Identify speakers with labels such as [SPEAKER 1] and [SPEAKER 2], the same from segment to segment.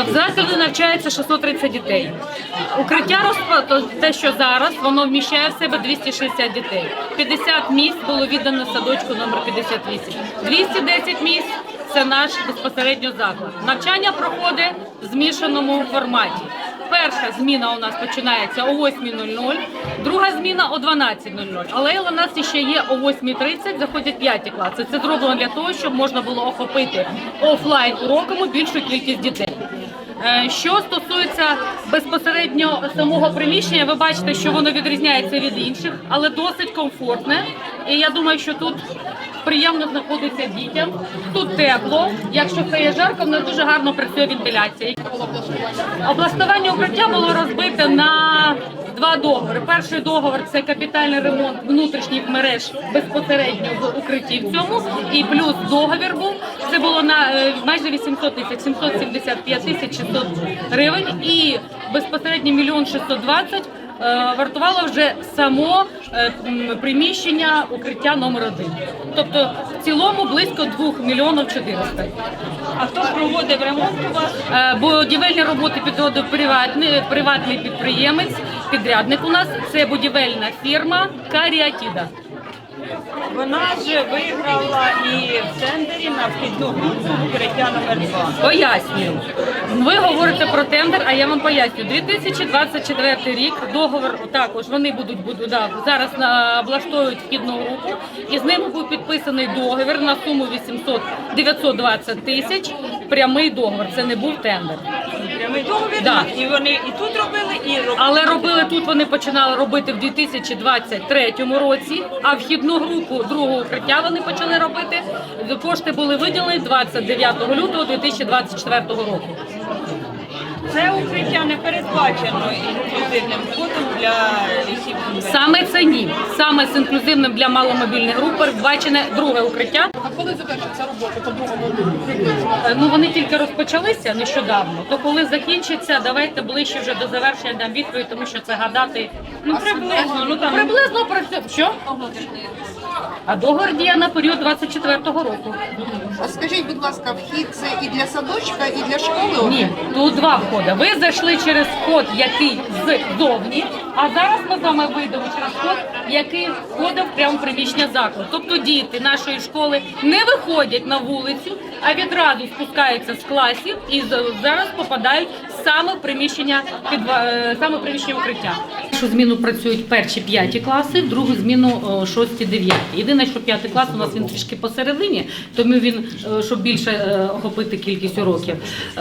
[SPEAKER 1] В закладі навчається 630 дітей. Укриття, те, що зараз, воно вміщає в себе 260 дітей. 50 місць було віддано садочку номер 58. 210 місць – це наш безпосередньо заклад. Навчання проходить в змішаному форматі. Перша зміна у нас починається о 8:00, друга зміна о 12:00. Але у нас ще є о 8:30, заходять 5 класи. Це зроблено для того, щоб можна було охопити офлайн уроками більшу кількість дітей. Що стосується безпосередньо самого приміщення, ви бачите, що воно відрізняється від інших, але досить комфортне. І я думаю, що тут приємно знаходиться дітям, тут тепло. Якщо це є жарко, в нас дуже гарно працює вентиляція. Облаштування укриття було розбите на 2 договори. Перший договор – це капітальний ремонт внутрішніх мереж безпосередньо в укритті в цьому. І плюс договір був, це було на майже 800 тисяч, 775 тисяч 600 гривень. І безпосередньо 1 620 000 вартувало вже само приміщення укриття номер 1. Тобто в цілому близько 2 мільйонів 400.
[SPEAKER 2] А хто проводив ремонт у вас?
[SPEAKER 1] Будівельні роботи підводив приватний підприємець, підрядник у нас. Це будівельна фірма «Каріатіда».
[SPEAKER 2] Вона ж виграла і в тендері на вхідну групу укриття номер 2.
[SPEAKER 1] Пояснюю. Ви говорите про тендер, а я вам пояснюю. 2024 рік договор також вони будуть зараз облаштовують вхідну групу, і з ними був підписаний договір на суму 920 тисяч. Прямий договор, це не був тендер.
[SPEAKER 2] Прямий договір,
[SPEAKER 1] да.
[SPEAKER 2] І вони і тут робили, і робили.
[SPEAKER 1] Але робили тут, вони починали робити в 2023 році, а вхідну групу другого укриття вони почали робити. Кошти були виділені 29 лютого 2024 року.
[SPEAKER 2] Це укриття не передбачено інклюзивним входом для лісів.
[SPEAKER 1] Саме це ні. Саме з інклюзивним для маломобільних груп передбачене друге укриття.
[SPEAKER 3] А коли закінчиться робота по другому укриттю?
[SPEAKER 1] Ну вони тільки розпочалися нещодавно. То коли закінчиться, давайте ближче вже до завершення дам відповідь, тому що це гадати приблизно працює. Що? А договір діє на період 24-го року.
[SPEAKER 3] А скажіть, будь ласка, вхід це і для садочка, і для школи?
[SPEAKER 1] Ні, тут 2 входи. Ви зайшли через вход, який ззовні, а зараз ми з вами вийдемо через вход, який входив прямо в приміщення закладу. Тобто діти нашої школи не виходять на вулицю, а відразу спускаються з класів і зараз попадають саме в приміщення укриття. Першу зміну працюють перші 5 класи, другу зміну 6-9. Єдине, що 5 клас у нас він трішки посередині, тому він, щоб більше охопити кількість уроків.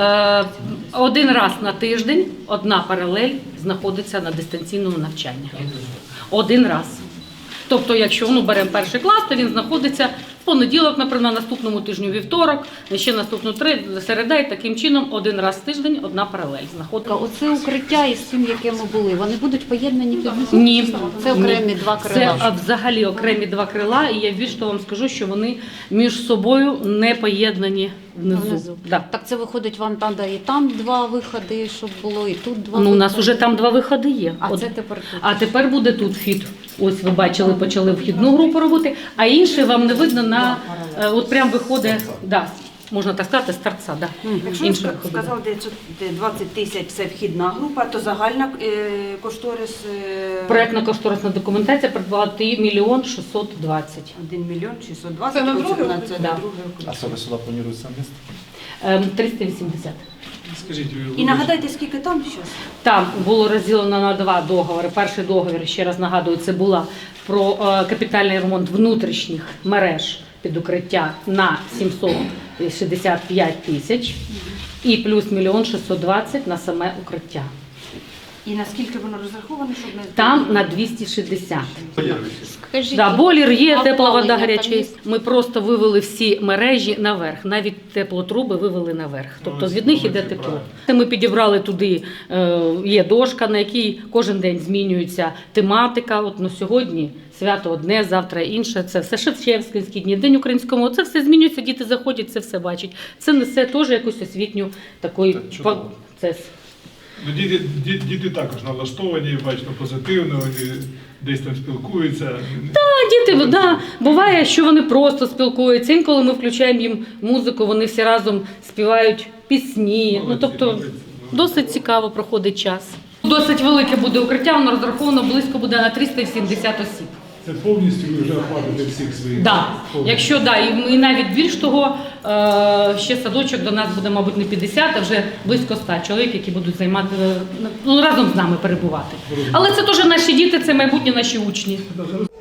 [SPEAKER 1] 1 раз на тиждень одна паралель знаходиться на дистанційному навчанні. 1 раз. Тобто, якщо беремо 1 клас, то він знаходиться в понеділок, наприклад, на наступному тижню вівторок, ще наступну середа, і таким чином 1 раз в тиждень одна паралель знаходиться.
[SPEAKER 4] Оце укриття із тим, яке ми були, вони будуть поєднані під
[SPEAKER 1] Ні.
[SPEAKER 4] Це окремі 2 крила.
[SPEAKER 1] Це взагалі окремі 2 крила, і я більше того вам скажу, що вони між собою не поєднані внизу. Да.
[SPEAKER 4] Так це виходить, вам треба і там 2 виходи, щоб було, і тут 2
[SPEAKER 1] Ну, у нас
[SPEAKER 4] виходи.
[SPEAKER 1] вже там 2 виходи є.
[SPEAKER 4] А це тепер тут.
[SPEAKER 1] А тепер буде тут вхід. Ось ви бачили, почали вхідну групу робити, а інший вам не видно на, от прям виходить, да, можна так сказати, з торця. Да.
[SPEAKER 5] Якщо
[SPEAKER 1] Інший
[SPEAKER 5] ви
[SPEAKER 1] виходить.
[SPEAKER 5] сказали, 20 тисяч це вхідна група, то загальна кошторис
[SPEAKER 1] Проектно-кошторисна документація придбала 1 мільйон 620.
[SPEAKER 5] 1 мільйон 620.
[SPEAKER 3] Це на друге
[SPEAKER 5] це
[SPEAKER 3] укриття?
[SPEAKER 5] на
[SPEAKER 1] Да.
[SPEAKER 5] друге укриття.
[SPEAKER 6] А саме сюди планується місто?
[SPEAKER 1] 380.
[SPEAKER 6] Скажіть,
[SPEAKER 5] І нагадайте, скільки там зараз?
[SPEAKER 1] Там було розділено на 2 договори. Перший договір, ще раз нагадую, це була про капітальний ремонт внутрішніх мереж під укриття на 765 тисяч і плюс 1 620 000 на саме укриття.
[SPEAKER 5] І наскільки воно розраховане, щоб не...
[SPEAKER 1] Там на 260.
[SPEAKER 4] Скажіть,
[SPEAKER 1] Да, бойлер є,
[SPEAKER 4] а
[SPEAKER 1] тепла вода
[SPEAKER 4] опалення
[SPEAKER 1] гаряча.
[SPEAKER 4] там
[SPEAKER 1] є. Ми просто вивели всі мережі наверх, навіть теплотруби вивели наверх. Тобто від них іде тепло. Ми підібрали туди, є дошка, на якій кожен день змінюється тематика. От сьогодні свято одне, завтра інше. Це все Шевченківські дні, День української мови. Це все змінюється, діти заходять, це все бачать. Це несе теж якусь освітню такий процес.
[SPEAKER 7] Ну, діти також налаштовані, бачно, позитивно, вони десь там спілкуються.
[SPEAKER 1] Діти, да, буває, що вони просто спілкуються. Інколи ми включаємо їм музику, вони всі разом співають пісні. Ну, тобто досить цікаво проходить час. Досить велике буде укриття, воно розраховано близько буде на 370 осіб.
[SPEAKER 7] Це повністю ви вже охватите всіх своїх?
[SPEAKER 1] Да. Якщо да, і навіть більш того, ще садочок до нас буде, мабуть, не 50, а вже близько 100 чоловік, які будуть займати, ну, разом з нами перебувати. Але це теж наші діти, це майбутні наші учні.